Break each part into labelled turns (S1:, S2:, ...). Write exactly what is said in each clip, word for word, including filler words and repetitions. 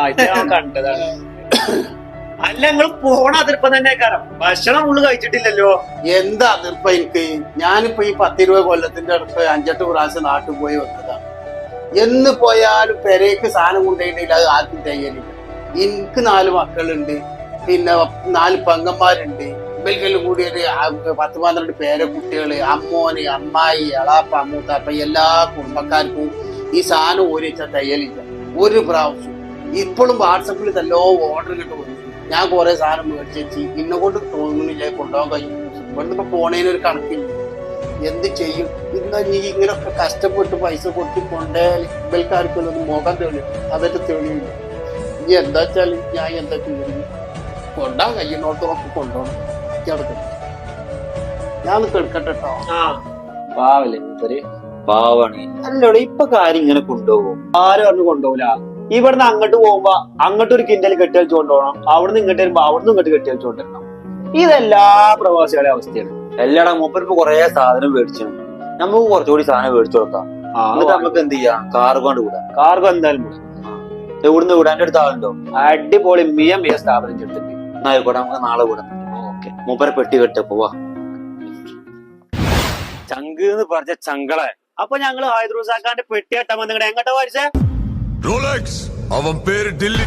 S1: ഇത് ഞാൻ കണ്ടതാണ്. അല്ല നിങ്ങൾ പോണ അതിർപ്പം തന്നെ കാരണം ഭക്ഷണം ഉള്ളു കഴിച്ചിട്ടില്ലല്ലോ.
S2: എന്താ അതിർപ്പ എനിക്ക്? ഞാനിപ്പോ ഈ പത്തിരുപത് കൊല്ലത്തിന്റെ അടുത്ത് അഞ്ചെട്ട് പ്രാവശ്യം നാട്ടിൽ പോയി വന്നതാണ്. എന്ന് പോയാലും പെരേക്ക് സാധനം കൊണ്ടുപോയിട്ടില്ല, അത് ആർക്കും തയ്യലില്ല. എനിക്ക് നാല് മക്കളുണ്ട്, പിന്നെ നാല് പെങ്ങന്മാരുണ്ട്. ഇവൽക്കെല്ലാം കൂടി ഒരു പത്ത് പന്ത്രണ്ട് പേരെ കുട്ടികള്, അമ്മോന്, അമ്മായി, എളാപ്പ, അമ്മൂത്താപ്പ, എല്ലാ കുടുംബക്കാർക്കും ഈ സാധനം ഒരു വെച്ചാൽ തയ്യലില്ല ഒരു പ്രാവശ്യം. ഇപ്പോഴും വാട്സപ്പിൽ ഇതെല്ലോ ഓർഡർ കിട്ടും. ഞാൻ കുറെ സാധനം മേടിച്ചു, ഇന്നെ കൊണ്ട് തോന്നുന്നില്ല കൊണ്ടുപോകാൻ കഴിയും. ഇവിടുന്ന് ഇപ്പൊ പോണേനൊരു കണക്കില്ല. എന്ത് ചെയ്യും? ഇന്ന് നീ ഇങ്ങനൊക്കെ കഷ്ടപ്പെട്ട് പൈസ കൊടുത്ത് കൊണ്ടേ ഇവൽക്കാർക്കൊന്നും മുഖം തെളിയും, അതൊക്കെ തെളിയില്ല. ഇനി എന്താ വെച്ചാല് ഞാൻ എന്താ ചെയ്യും? കൊണ്ടാൻ കഴിയുന്നോടത്തോളം കൊണ്ടുപോകണം. കിടക്കണം, ഞാൻ കെടുക്കട്ടെ കേട്ടോ.
S3: പാവല്ലേ മൂപ്പര്, പാവാണ്. അല്ലോടെ ഇപ്പൊ കാര്യം ഇങ്ങനെ കൊണ്ടുപോകും.
S1: ആരും പറഞ്ഞു കൊണ്ടുപോകില്ല. ഇവിടുന്ന് അങ്ങോട്ട് പോകുമ്പോ അങ്ങോട്ട് ഒരു കിൻഡൽ കെട്ടിയടിച്ചു കൊണ്ടുപോകണം, അവിടുന്ന് ഇങ്ങോട്ട് വരുമ്പോ അവിടുന്ന് ഇങ്ങോട്ട് കെട്ടിയടിച്ചു കൊണ്ടിരണം. ഇതെല്ലാ പ്രവാസികളുടെ അവസ്ഥയാണ്.
S3: എല്ലാടാ മൂപ്പര് ഇപ്പൊ കൊറേ സാധനം മേടിച്ചു, നമുക്ക് കുറച്ചുകൂടി സാധനം മേടിച്ചു കൊടുക്കാം. എന്നിട്ട് നമുക്ക് എന്ത് ചെയ്യാം? കാർഗോ കൊണ്ട് വിടാം.
S1: കാർഗോ എന്തായാലും
S3: എവിടുന്ന് വിടാൻ അടുത്ത ആളുണ്ടോ?
S1: അടിപൊളി മിയ മിയ സ്ഥാപനം ചെയ്തിട്ടുണ്ട്.
S3: എന്നായിക്കോട്ടെ, നമുക്ക് നാളെ വിടാം. ഓക്കെ, മൂപ്പരെ പെട്ടി കെട്ട പോവാ. ചങ്ക് എന്ന് പറഞ്ഞ ചങ്കളെ.
S1: അപ്പൊ ഞങ്ങള് ഹൈദ്രൂസാക്കാന്റെ പെട്ടി കെട്ടാൻ വന്നിങ്ങനെ എങ്ങോട്ടാ വാരിച്ചേ?
S4: റോളക്സ് അവൻ പേര് ഡില്ലി.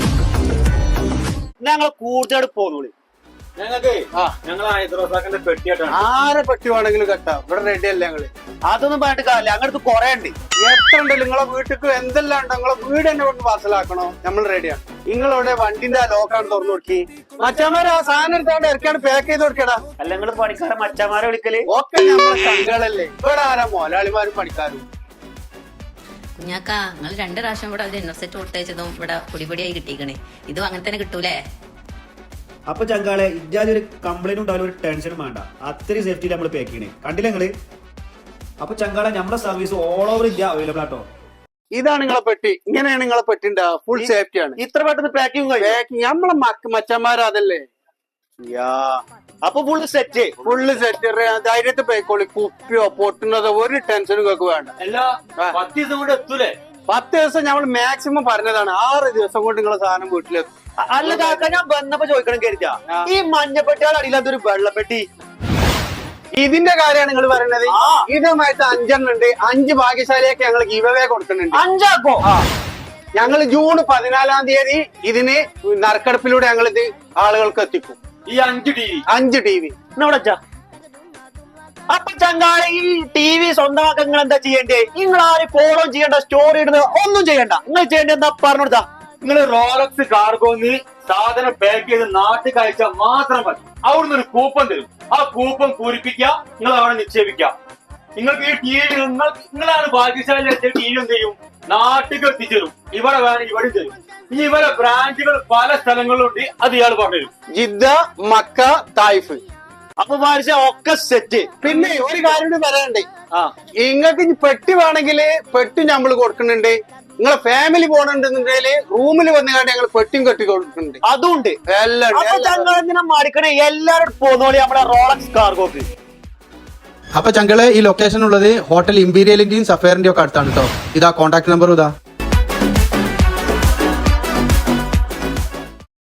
S1: ഞങ്ങള് കൂടുതൽ പോന്നോളി.
S3: ഞങ്ങൾക്ക് ഞങ്ങൾ ഹൈദ്രോസാക്കിന്റെ പെട്ടി കെട്ടാണ്.
S2: ആരെ പെട്ടി വേണമെങ്കിലും കെട്ടാം, ഇവിടെ റെഡി അല്ലേ ഞങ്ങള്.
S1: അതൊന്നും പറഞ്ഞിട്ട് കാര്യമില്ല, അങ്ങനത്തെ കൊറേ ഉണ്ട്.
S2: എത്ര ഉണ്ട് നിങ്ങളെ വീട്ടിക്ക്? എന്തെല്ലാം ഉണ്ട്? നിങ്ങളെ വീട് തന്നെ കൊണ്ട് പാർസലാക്കണോ? നമ്മൾ റെഡിയാണ്. നിങ്ങളവിടെ വണ്ടിന്റെ ആ ലോക്കാണ് തുറന്നു കൊടുക്കി, മറ്റന്മാര് ആ സാധനം എടുത്താണ്ട് ഇറക്കാണ് പാക്ക് ചെയ്ത് കൊടുക്കടാ.
S1: അല്ല നിങ്ങള് പണിക്കാരെ മച്ചന്മാരെ വിളിക്കല്
S2: ഒക്കെ നമ്മളെ സംഘങ്ങളല്ലേ. ഇവിടെ ആരാ മോലാളിമാരും പണിക്കാരും?
S5: കുഞ്ഞാക്കാ, നിങ്ങൾ രണ്ട് പ്രാവശ്യം ഇവിടെ ഡിന്നർ സെറ്റ് കൊടുത്തയച്ചതും ഇവിടെ പൊടിപൊടിയായി കിട്ടിക്കണേ. ഇതും അങ്ങനെ തന്നെ കിട്ടൂലേ?
S6: അപ്പൊ ചങ്കാളെ ഇജാതി ഒരു കംപ്ലൈന്റ് ഉണ്ടാവില്ല, ഒരു ടെൻഷനും വേണ്ട. അത്രയും സേഫ്റ്റിയിൽ നമ്മൾ പാക്ക് ചെയ്യണേ, കണ്ടില്ല നിങ്ങള്? അപ്പൊ ചങ്കാളെ നമ്മളെ service all over India available ആട്ടോ.
S2: ഇതാണ് നിങ്ങളെ പെട്ടി, ഇങ്ങനെയാണ് നിങ്ങളെ പെട്ടിന്റെ ഫുൾ സേഫ്റ്റി ആണ്.
S1: ഇത്ര പെട്ടെന്ന് പാക്കിങ്
S2: പാക്കിങ് നമ്മളെ മക്ക മച്ചന്മാർ അതല്ലേ.
S1: അപ്പൊ ഫുള്ള് സെറ്റ്,
S2: ഫുള്ള് സെറ്റ്. ധൈര്യത്തിൽ പോയിക്കോളി. കുപ്പിയോ പൊട്ടുന്നതോ ഒരു ടെൻഷനും കേൾക്ക് വേണ്ട.
S3: പത്ത് ദിവസം കൊണ്ട് എത്തൂലേ?
S2: പത്ത് ദിവസം നമ്മൾ മാക്സിമം പറഞ്ഞതാണ്, ആറ് ദിവസം കൊണ്ട് നിങ്ങളെ സാധനം വീട്ടിലെത്തും.
S1: അല്ല കാക്ക, ഞാൻ വന്നപ്പോ ചോദിക്കണം കരുതാ, ഈ മഞ്ഞപ്പെട്ടിയുടെ അടിയിലത്തൊരു വെള്ളപ്പെട്ടി,
S2: ഇതിന്റെ കാര്യമാണ് നിങ്ങൾ പറയുന്നത്? ഇതുമായിട്ട് അഞ്ചെണ്ണം ഉണ്ട്. അഞ്ച് ഭാഗ്യശാലിയൊക്കെ ഞങ്ങൾ ഗീവവേ കൊടുക്കുന്നുണ്ട്.
S1: അഞ്ചാക്കോ?
S2: ഞങ്ങൾ ജൂൺ പതിനാലാം തീയതി ഇതിന് നറുക്കെടുപ്പിലൂടെ ഞങ്ങൾ ഇത് ആളുകൾക്ക് എത്തിക്കും.
S3: ഈ അഞ്ച് ടി വി
S2: അഞ്ച് ടി വി
S1: എന്നോടച്ചാ. അപ്പൊ ചങ്കാളെ ഈ ടി വി സ്വന്തമാക്കാൻ നിങ്ങൾ എന്താ ചെയ്യണ്ടേ? നിങ്ങൾ ആരും ഫോളോ ചെയ്യണ്ട, സ്റ്റോറി ഇടുന്നത് ഒന്നും ചെയ്യണ്ട. നിങ്ങൾ ചെയ്യേണ്ട എന്താ പറഞ്ഞോടുത്താ?
S3: നിങ്ങൾ റോളക്സ് കാർഗോന്ന് സാധനം പാക്ക് ചെയ്ത് നാട്ടിൽ കഴിച്ചാൽ മാത്രം മതി. അവിടുന്ന് ഒരു കൂപ്പൺ തരും. ആ കൂപ്പൺ പൂരിപ്പിക്കുക, നിങ്ങൾ അവിടെ നിക്ഷേപിക്കുക. നിങ്ങൾക്ക് ഈ ടി വി നിങ്ങൾ നിങ്ങളാണ് ഭാഗ്യശാലി. ടി വി എന്ത് ചെയ്യും? നാട്ടിൽ എത്തിച്ചേരും. ഇവിടെ വേണം ഇവിടെ തരും. ഈ ഇവരെ ബ്രാഞ്ചുകൾ പല സ്ഥലങ്ങളിലുണ്ട്, അത് ഇയാൾ പറഞ്ഞുതരും.
S2: Jeddah, Mecca, Taif.
S1: അപ്പൊ പാരിച്ച ഒക്കെ സെറ്റ്.
S2: പിന്നെ ഒരു കാര്യം കൂടി പറയാനുണ്ട്.
S1: ആ,
S2: നിങ്ങൾക്ക് ഇനി പെട്ടി വേണമെങ്കിൽ പെട്ടി നമ്മൾ കൊടുക്കുന്നുണ്ട്. നിങ്ങളെ ഫാമിലി പോകണമെന്നുണ്ടെങ്കിൽ റൂമിൽ വന്നുകൊണ്ട് ഞങ്ങൾ പെട്ടിയും കെട്ടി കൊടുക്കുന്നുണ്ട്.
S1: അതുണ്ട്
S2: എല്ലാം.
S1: അപ്പൊ ചങ്കാളെന്തിനാ മടിക്കണേ? എല്ലാരും പോന്നോളി നമ്മുടെ റോളക്സ് കാർഗോക്ക്.
S7: അപ്പൊ ചങ്കളെ ഈ ലൊക്കേഷൻ ഉള്ളത് ഹോട്ടൽ ഇമ്പീരിയലിന്റെയും സഫയറിന്റെയും ഒക്കെ അടുത്താണ് കേട്ടോ. ഇതാ കോൺടാക്ട് നമ്പർ ഇതാ.